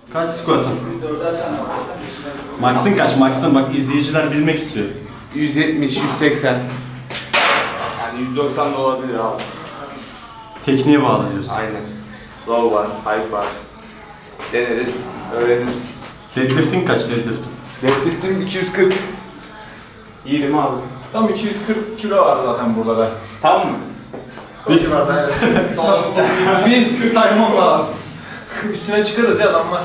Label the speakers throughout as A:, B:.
A: Kaç squat'ın? Max'ın kaç? Max'ın bak izleyiciler bilmek istiyor.
B: 170, 180. Yani 190 da olabilir abi.
A: Tekniğe bağlı diyorsun.
B: Aynen. Low var, high var. Deneriz, öğreniriz.
A: Deadlift'in kaç deadlift'in?
B: Deadlift'im 240. İyi değil mi abi?
C: Tam 240 kilo var zaten burada da.
B: Tam mı?
C: Bir civarda evet. Bir saymam lazım. Üstüne çıkarız ya adamlar.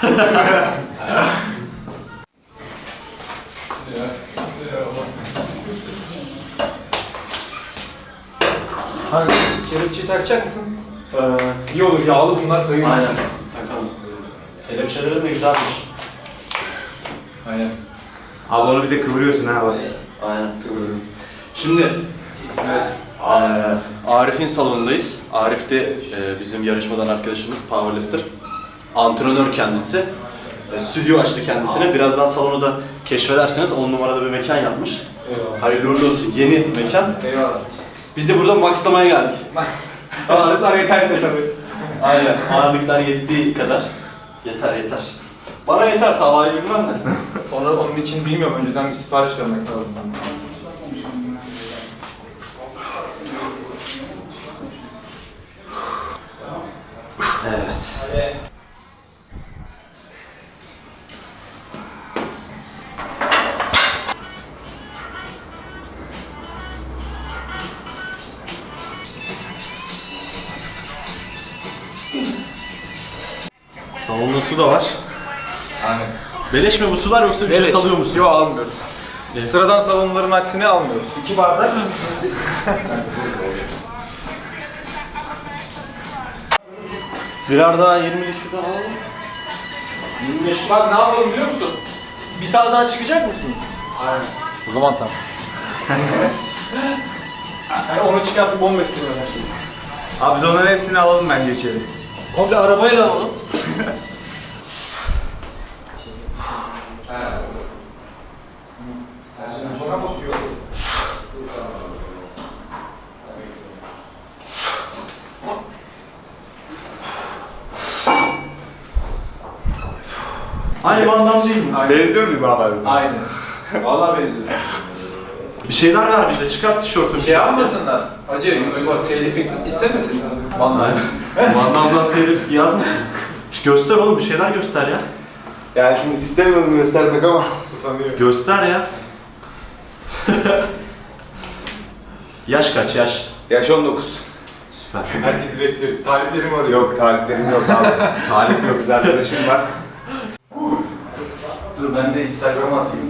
C: Hani kelepçeyi takacak mısın? İyi olur, yağlı bunlar kayıyor.
A: Aynen. Takalım. Kelepçelerin de güzelmiş.
C: Aynen.
B: Abi onu bir de kıvırıyorsun ha bak.
A: Aynen kıvırıyorum. Şimdi evet. Arif'in salonundayız. Arif de bizim yarışmadan arkadaşımız, powerlifter. Antrenör kendisi. Stüdyo açtı kendisine. Birazdan salonu da keşfedersiniz. 10 numarada bir mekan yapmış.
C: Eyvallah.
A: Hayırlı uğurlu olsun. Yeni mekan.
C: Eyvallah.
A: Biz de burada maxlamaya geldik.
C: Ağırlıklar yeterse tabii.
A: Aynen. Ağırlıklar yettiği kadar. Yeter. Bana yeter. Tavayı bilmem de.
C: Onun için bilmiyorum. Önceden bir sipariş vermek lazım.
A: Evet. Salonda su da var.
C: Aynen.
A: Beleş mi bu sular yoksa ücret alıyor musun?
C: Yok, almıyoruz. Sıradan salonların aksine almıyoruz.
B: 2 bardak.
A: Birer daha 20'lik şuradan alalım. 25.
C: Bak ne yapalım biliyor musun?
A: Bir tane daha çıkacak mısınız?
C: Aynen. O zaman tamam. Yani onu çıkartıp 15 lira versin.
B: Abi biz onların hepsini alalım bence içeri.
A: Komple arabayla alalım. Aynı bandam değil mi?
B: Benziyor muyum abi?
C: Aynen. Vallahi benziyor.
A: Bir şeyler ver bize. Çıkart tişörtünü.
C: Şey yapmasınlar. Acı YouTube'a telif istemesinler.
A: Vallahi. Bandamdan telif yazmasın. Göster oğlum, bir şeyler göster ya.
B: Yani şimdi istemiyordum göstermek ama utanıyorum.
A: Göster ya. Yaş kaç yaş?
B: Yaş 19.
A: Süper.
C: Herkesi bekleriz. Taliplerim arıyor.
B: Yok taliplerim yok abi. Talip yok, kız arkadaşım var.
C: Dur ben de Instagram'a atayım.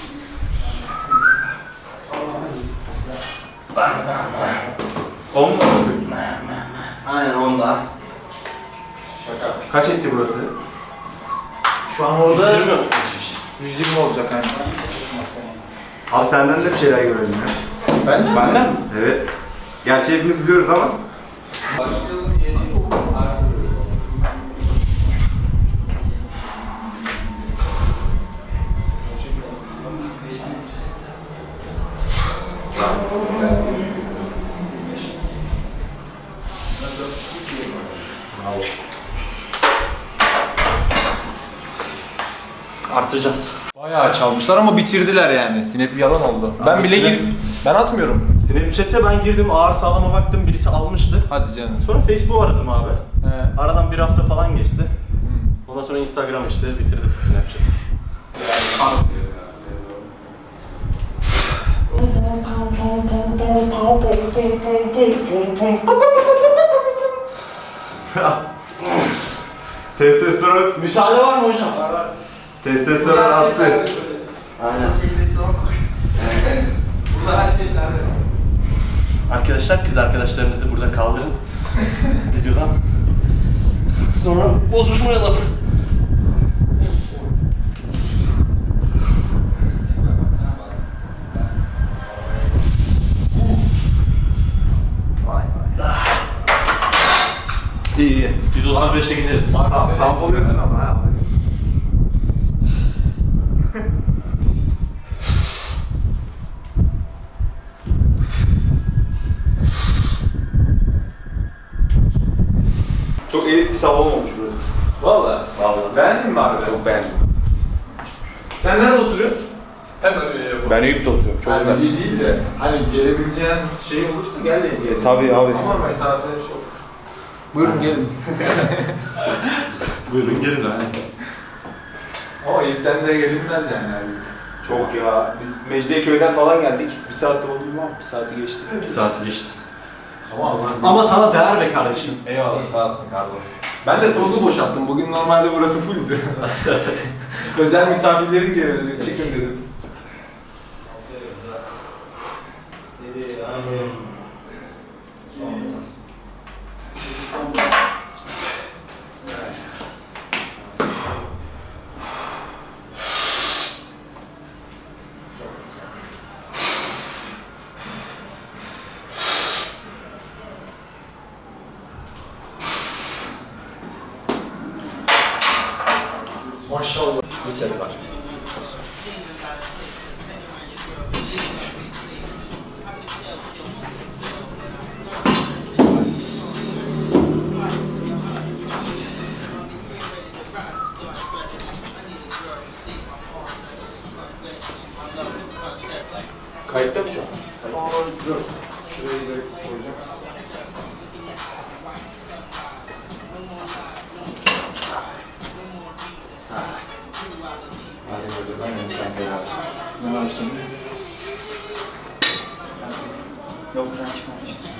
B: On mu yapıyorsun?
A: Aynen onda.
C: Şaka.
B: Kaç etti burası?
C: Şu an orada
A: 120 mi?
C: 120 olacak hani.
B: Abi senden de bir şeyler görelim ya.
C: Ben
A: Benden mi?
B: Evet. Gerçi hepimiz biliyoruz ama.
C: Başlayalım yeni artırıyoruz.
A: Artıracağız.
C: Bayağı çalmışlar ama bitirdiler yani. Snap yalan oldu. Ben bile
A: Snap-
C: ben atmıyorum.
A: Snapchat'e ben girdim, ağır sağlama baktım, birisi almıştı.
C: Hadi canım.
A: Sonra Facebook aradım abi.
C: He.
A: Aradan bir hafta falan geçti. Ondan sonra Instagram işte bitirdim Snapchat.
B: Testosteron,
A: Müsaade var mı hocam?
B: testosteron attı.
A: Aynen.
C: Burada her şey nerede?
A: Arkadaşlar, kız arkadaşlarınızı burada kaldırın. Videodan. Sonra bozuşmayalım. İyi. 135'e gideriz.
B: Kamp oluyorsun ama ha. Çok elit bir salon olmuş burası.
C: Valla.
B: Ben Eyüp'te oturuyorum. Çok
C: Yani
B: güzel.
C: iyi değil de hani gelebileceğin şey olursa gel diyelim.
B: Tabii abi.
C: Ama mesafe çok. Buyurun gelin.
A: Buyurun gelin ha.
C: Ama Eyüp'ten de gelinmez yani.
B: Çok ya. Biz Mecidiyeköy'den falan geldik. Bir saatte oldu mu? Bir saati geçti.
A: Bir saat geçti.
C: Ama Allah'ım.
A: Ama sana değer be kardeşim.
C: Eyvallah sağ olsun Karlo. Ben de salonu boşalttım. Bugün normalde burası fulldü. Özel misafirlerim geliyor dedim. Çıkın dedim. Maşallah. Bir set var.
B: Kayıtta mı şu an?
C: Dur. Şurayı da koyacağım.
B: Hadi böyle ben sen beraber. Ne var şimdi? Yok ben çıkmamıştım.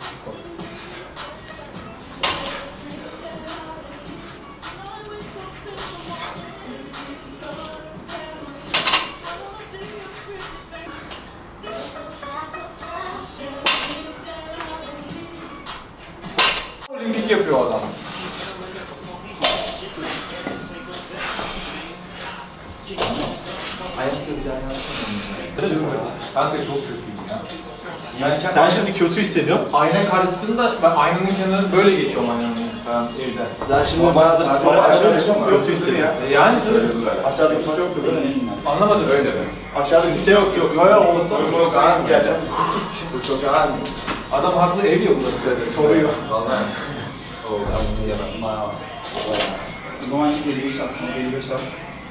C: Olimpik yapıyor adam. Ayakta bir daha yapsana. Ben de çok kötüyüm ya.
A: Sen şimdi kötü hissediyorsun.
C: Ayna karşısında ben aynanın kenarını böyle geçiyorum aynanın falan evde.
A: Sen şimdi bayağı da spora başladın. Kötü hissediyorsun.
C: Yani
B: Aşağıda kimse yoktu böyle.
C: anlamadım öyle mi?
B: Aşağıda kimse yok yok.
C: Yok yok olsa bu çok ağır mı? Bu çok ağır mı? Adam haklı ev ya burası. Soruyor. Vallahi.
B: O zaman 55 at, 55 at.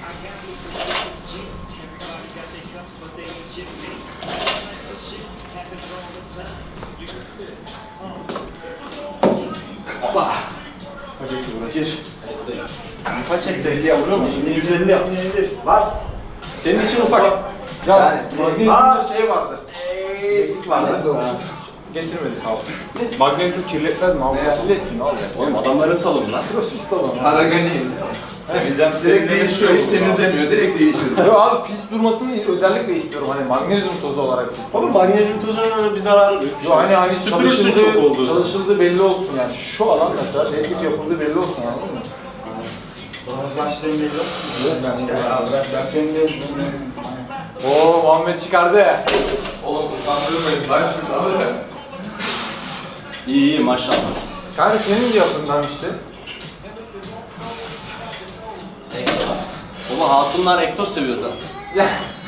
B: Kaç etti bu? Gir. Kaç etti? 50 yapıyor musun? 150 yap. Var.
A: Senin için ufak.
C: Ya magnezyumda
B: Aa!
C: şey vardı.
B: Eklik vardı.
C: Getirmedi sağ olsun. Magnezyum kirletmez mi abi? Kirletsin ne olacak?
A: Oğlum adamların salonu lan.
C: Crossfit salonu.
D: Araganiyim.
B: Direkt değişiyor. Hiç temizlemiyor. Direkt değişiyor.
C: Yo abi pis durmasını özellikle istiyorum hani magnezyum tozu olarak pis.
A: Oğlum magnezyum tozunun öyle bir zararı yok.
C: Yo hani
A: Süpürürsün çok olduğu zaman.
C: çalışıldığı belli olsun yani. Şu alan mesela deadlift yapıldığı belli olsun anladın mı?
B: Başlayayım geliyor.
C: Oo Muhammed çıkardı.
D: Oğlum utandırmayın lan şimdi abi.
A: İyi iyi maşallah.
C: Kanka senin de yapından işte.
A: Baba hatunlar ektos seviyor zaten.
C: Ya.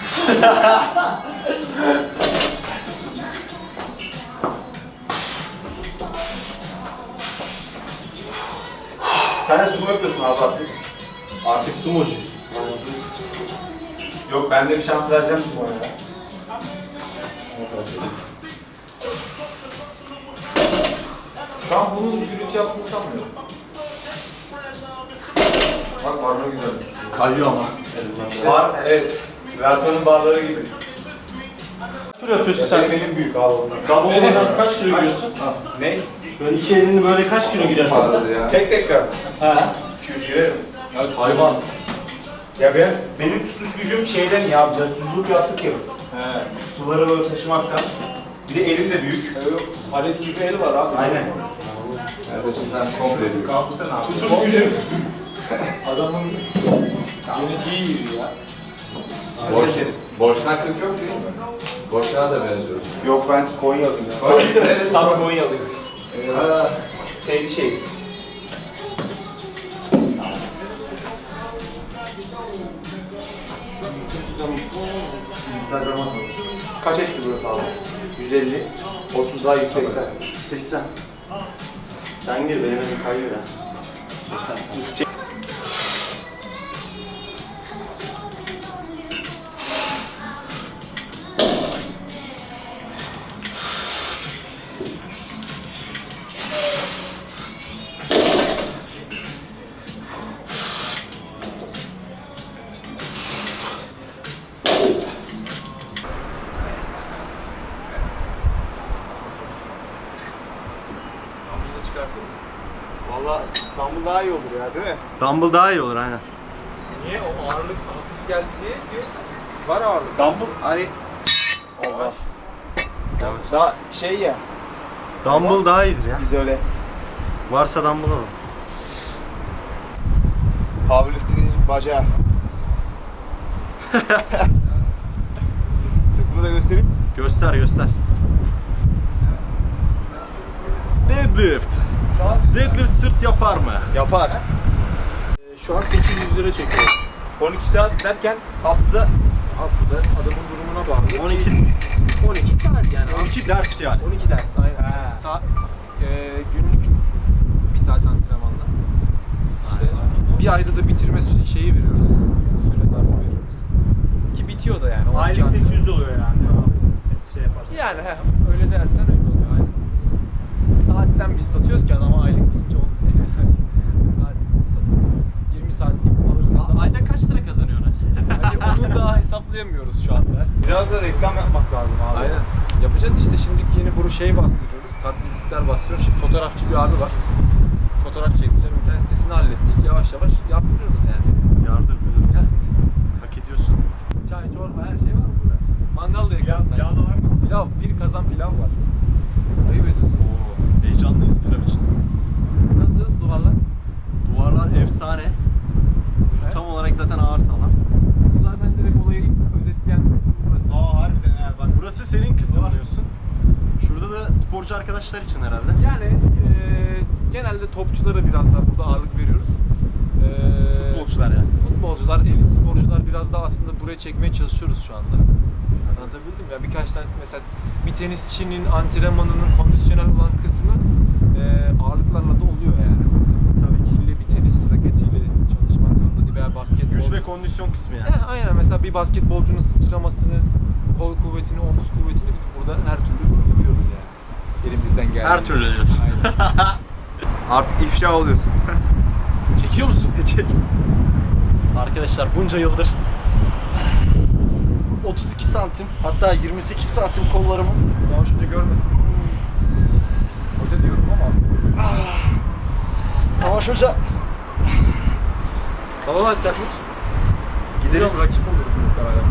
B: Sen de sumo yapıyorsun abi artık.
A: Artık sumocu.
B: Yok ben de bir şans vereceğim sumoya ya.
C: Şu an bunun gürültü yaptığını sanmıyorum. Bak barına güzel.
A: Kayıyor ama.
B: Var evet. Versa'nın barları gibi.
A: Kaç kilo yapıyorsun sen?
B: Benim büyük abi onlar.
A: Kablolardan kaç kilo giriyorsun?
B: Ne?
A: Böyle iki elini böyle kaç kilo girersin sen?
D: Vardı ya.
B: Tek tekrar.
A: Ha.
B: 200 girerim.
A: Hayvan.
B: Ya benim tutuş gücüm şeyden ya, casusluk yaptık ya biz.
C: He.
B: Suları böyle taşımaktan. Bir de elim de büyük.
C: Palet gibi el var abi.
B: Aynen.
D: Kardeşim sen komple diyorsun.
B: Kalkırsan abi.
A: Tutuş gücü.
C: Adamın genetiği iyi ya.
D: Boşnaklık yok değil mi? Boşluğa da benziyorsun.
B: Yok ben Konyalıyım ya.
D: Neresi?
B: Saf Konyalıyım. Sevdi şey.
C: Instagram'a koy.
B: Kaç etti burası abi? 150. 30 daha 180.
A: 80. Sen gir benim elim kayıyor ya.
B: Dumbbell daha iyi olur ya değil mi?
A: Dumbbell daha iyi olur aynen.
D: Niye? O ağırlık hafif geldi diye diyorsan.
C: Var ağırlık.
B: Dumbbell hani Allah. Daha şey ya,
A: Dumbbell daha iyidir ya.
B: biz öyle
A: Varsa dumbbell alalım.
B: powerlifting'in bacağı. Sırtımı da göstereyim.
A: Göster göster. Deadlift. Deadlift sırt yapar mı?
B: Yapar.
C: Şu an 800 lira çekiyoruz.
B: 12 saat derken haftada
C: Haftada adamın durumuna bağlı.
A: 12
C: saat yani.
A: 12 ders yani.
C: 12 ders aynen.
B: He.
C: Günlük 1 saat antrenmanla. İşte bir ayda da bitirme şeyi veriyoruz. Süre zarfı veriyoruz. Ki bitiyor da yani. 12
B: aylık
C: antrenman.
B: 800 oluyor yani. Şey yaparsın.
C: Yani öyle dersen öyle oluyor aynen. Saatten biz satıyoruz ki adama aylık deyince olmuyor. Saat satılıyor. 20 saatlik alırız adam.
A: Ayda kaç lira kazanıyorsun?
C: Bence onu daha hesaplayamıyoruz şu anda.
B: Biraz da reklam yapmak lazım abi.
C: Aynen. Yapacağız işte şimdi yeni bu şey bastırıyoruz. Kartvizitler bastırıyoruz. Şimdi fotoğrafçı bir abi var. Fotoğraf çekeceğim. İnternet sitesini hallettik. Yavaş yavaş yaptırıyoruz yani.
A: Yardır müdür.
C: Yani
A: Hak ediyorsun.
C: çay, çorba her şey var burada. Mangal da yakın.
B: Pilav da var mı?
C: Pilav. Bir kazan pilav var. Ayıp ediyorsun.
A: Heyecanlıyız pilav için.
C: Nasıl duvarlar?
A: Duvarlar efsane. Şu tam olarak zaten ağır salan.
C: Zaten direkt olayı özetleyen kısım burası.
B: Aa harbiden ha bak.
A: Burası senin kısmın diyorsun. Şurada da sporcu arkadaşlar için herhalde.
C: Yani genelde topçulara biraz daha burada ağırlık veriyoruz.
A: Futbolcular yani.
C: Futbolcular, elit sporcular biraz daha aslında buraya çekmeye çalışıyoruz şu anda. Anlatabildim mi? Ya birkaç tane mesela bir tenisçinin antrenmanının kondisyonel olan kısmı ağırlıklarla da oluyor yani.
A: Tabii ki.
C: İlle bir tenis raketiyle çalışmak zorunda değil veya basketbol.
A: Güç ve kondisyon kısmı yani.
C: Aynen mesela bir basketbolcunun sıçramasını, kol kuvvetini, omuz kuvvetini biz burada her türlü yapıyoruz yani. Elimizden geldiğince.
A: Her türlü diyorsun.
C: Aynen.
B: Artık ifşa oluyorsun.
A: Çekiyor musun? Çek. Arkadaşlar bunca yıldır 32 santim hatta 28 santim kollarımı
C: Savaş Hoca görmesin. Hoca diyorum ama.
A: Savaş Hoca
C: Salon açacakmış.
A: gideriz.
C: Rakip oluruz muhtemelen.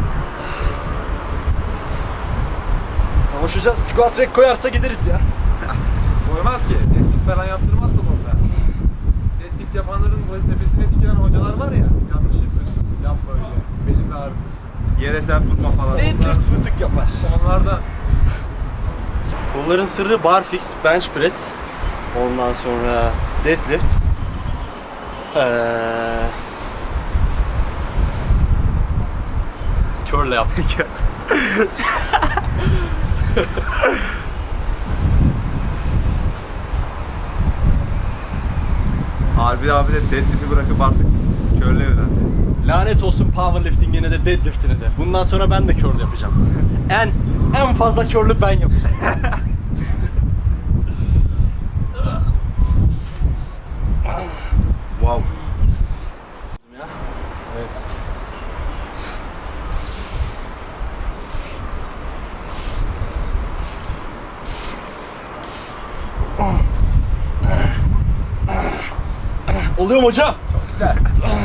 A: Savaş Hoca squat rack koyarsa gideriz ya.
C: Koymaz ki. Deadlift falan yaptırmazsa orada. Deadlift yapanların böyle tepesine dikilen hocalar var ya. Yanlış yapıyorsun. Yapma öyle. Belini ağrıtırsın.
B: Yere sert tutma falan.
A: Deadlift fıtık yapar.
C: Onlarda
A: Kolların sırrı barfix, bench press. Ondan sonra deadlift. Curl yaptık ya.
B: Harbi abi de deadlift'i bırakıp artık körle öğrendi.
A: Lanet olsun powerlifting'ine de deadlift'ine de. Bundan sonra ben de curl yapacağım. En fazla curl'ü ben yapacağım.
B: Wow.
C: evet.
A: Oluyor mu hocam?
C: Güzel.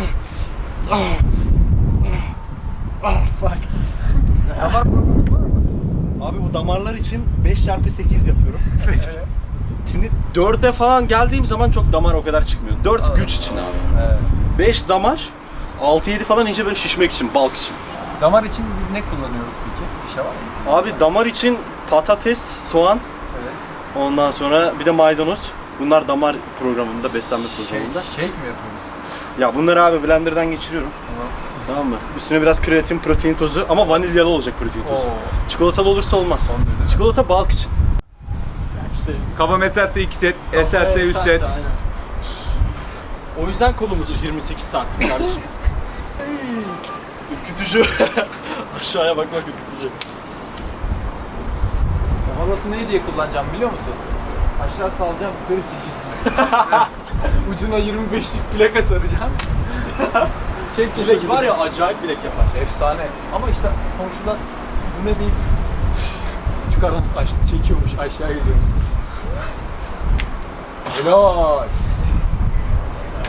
A: Fuck.
C: Damar programı var mı?
A: Abi bu damarlar için 5x8 yapıyorum. Şimdi 4'e falan geldiğim zaman çok damar o kadar çıkmıyor. 4 güç için abi.
C: Evet.
A: 5 damar, 6-7 falan ince böyle şişmek için, bulk için.
C: Damar için ne kullanıyoruz peki? Bir şey var mı?
A: Abi damar için patates, soğan,
C: Evet.
A: ondan sonra bir de maydanoz. Bunlar damar programında, beslenme programında.
C: Shake mi yapıyoruz?
A: Ya bunları abi blenderdan geçiriyorum.
C: Tamam.
A: Tamam mı? Üstüne biraz kreatin, protein tozu ama vanilyalı olacak protein tozu. Çikolatalı olursa olmaz.
C: Son derece.
A: Çikolata bulk için. İşte
B: Kafam eserse 2 set, eserse 3 set.
A: aynen. O yüzden kolumuz 28 santim kardeşim. Ürkütücü. Aşağıya bak ürkütücü.
C: Havası ne diye kullanacağım biliyor musun? Aşağı salacağım, yukarı çekeceğim. Ucuna 25'lik plaka saracağım. Çek
A: Bilek var ya acayip bilek yapar.
C: Efsane. Ama işte komşular bu ne deyip yukarıdan çekiyormuş, aşağı gidiyormuş. Helal.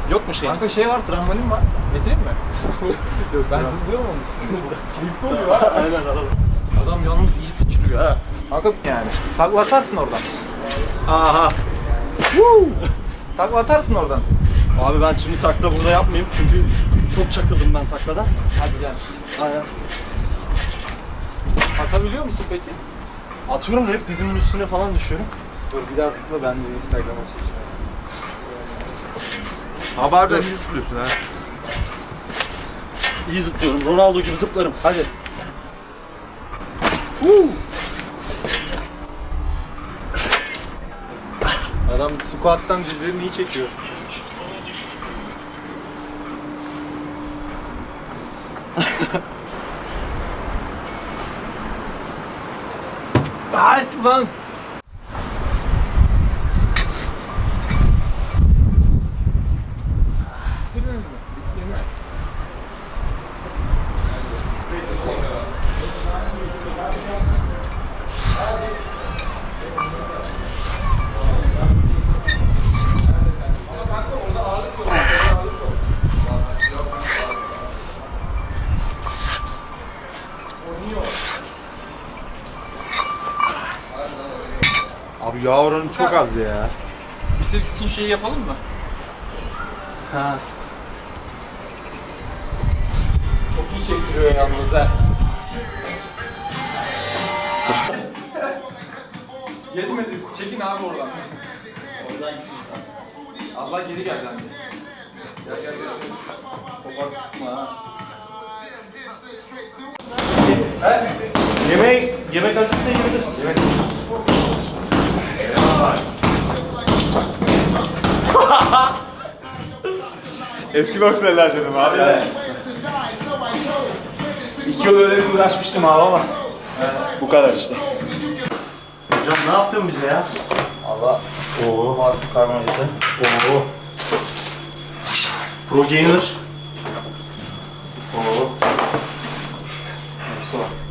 A: Yok mu şeyiniz?
C: Kanka şey var, trambolin var. Getireyim mi? Yok, ben zıplıyorum onun üstüne. Keyifli oluyor ha.
A: Aynen alalım.
C: Adam yalnız iyi sıçrıyor ha. Kanka yani. Takla atarsın oradan.
A: Aha.
C: Takla atarsın oradan.
A: Abi ben şimdi takla burada yapmayayım çünkü çok çakıldım ben takladan.
C: Hadi canım.
A: Aynen.
C: Atabiliyor musun peki?
A: Atıyorum da hep dizimin üstüne falan düşüyorum.
C: Dur biraz zıpla, ben de Instagram'a çekeceğim.
B: Haberden iyi tutuyorsun ha.
A: İyi zıplıyorum. Ronaldo gibi zıplarım.
C: Hadi.
B: Adam squat'tan dizlerini iyi çekiyor.
C: Hayt ulan. Bitirdiniz mi? Bitti mi?
B: Abi yağ oranı çok az ya.
C: Biceps için şeyi yapalım mı?
A: Ha.
C: Çok iyi çektiriyor yalnız ha. Yetmedi. Çekin abi oradan. Allah geri gel bence. Gel. Kopartma ha.
A: Yemek hazırsa yiyebiliriz.
B: Eski boksörler dedim abi.
A: Evet.
B: 2 yıl öyle bir uğraşmıştım abi ama. Bu kadar işte.
A: Hocam ne yaptın bize ya?
E: Allah.
A: Oo.
E: Bastı karbonhidratı.
A: Oo. Pro Gainer. Oo. Hepsi var.